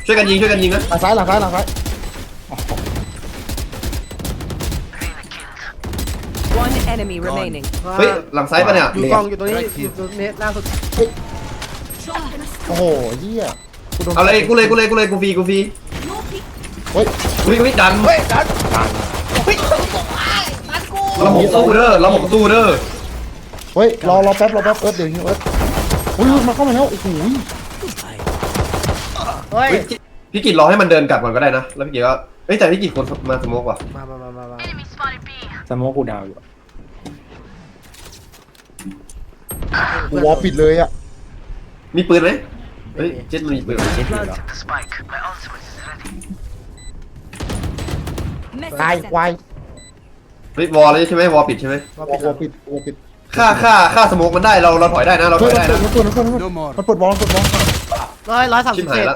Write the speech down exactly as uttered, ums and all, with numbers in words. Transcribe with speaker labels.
Speaker 1: ช่วยกันยิงช่วยกันยิงนะ
Speaker 2: หลังซ้ายหลังซ้ายหลังซ้าย
Speaker 3: One enemy remaining.
Speaker 1: เฮ้ยหลังซ้ายปะเนี่ย
Speaker 4: อยู่กองอยู่ตรงนี้อยู่ตรงนี้ล่าสุด
Speaker 2: โอ้โหเหี้ยกูโดน
Speaker 1: เอาเลยกูเลยกูเลยกูเลยกูฟรีกูฟรี
Speaker 2: เฮ้ย
Speaker 1: อุ้ยอุ้ยดันเฮ้ยดันเราหมกตู้เด้อเราหมกตู้เด้อ
Speaker 2: เฮ้ยรอรอแป๊บรอแป๊บเอิร์ธเดี๋ยวฮิวเอิร์ธอุ้ยมาเข้ามาแล้วโอ้โห
Speaker 4: เฮ้ย
Speaker 1: เฮ้ยพี่กิจรอให้มันเดินกลับก่อนก็ได้นะแล้วพี่กิจก็เฮ้ยแต่พี่กิจคนมาสโมกว่ะ
Speaker 4: มามามามามา
Speaker 5: สโมกกูดาวอยู่
Speaker 2: กูวอลปิดเลยอ่ะ
Speaker 1: มีปืนไหมเฮ้ยเจ็ดมันมีปืน
Speaker 5: เจ็ดอยู่แล้ว
Speaker 2: ตายควาย
Speaker 1: เฮ้ยวอลเลยใช่ไหมวอลปิดใช่ไหม
Speaker 2: วอลวอลปิดวอลปิด
Speaker 1: ฆ่าฆ่าฆ่าสโมกมันได้เราเราถอยได้นะเราถ
Speaker 2: เฮ้
Speaker 1: อย ยได้
Speaker 2: มัน
Speaker 1: นะ
Speaker 2: เปิดมันเปิดมันเปิดมันเปิดบอลมันเปิดบอล
Speaker 4: ร้อยร้อยสาม
Speaker 1: ชิ
Speaker 4: สิ
Speaker 1: บบ หาย
Speaker 4: เจ็ด
Speaker 1: ละ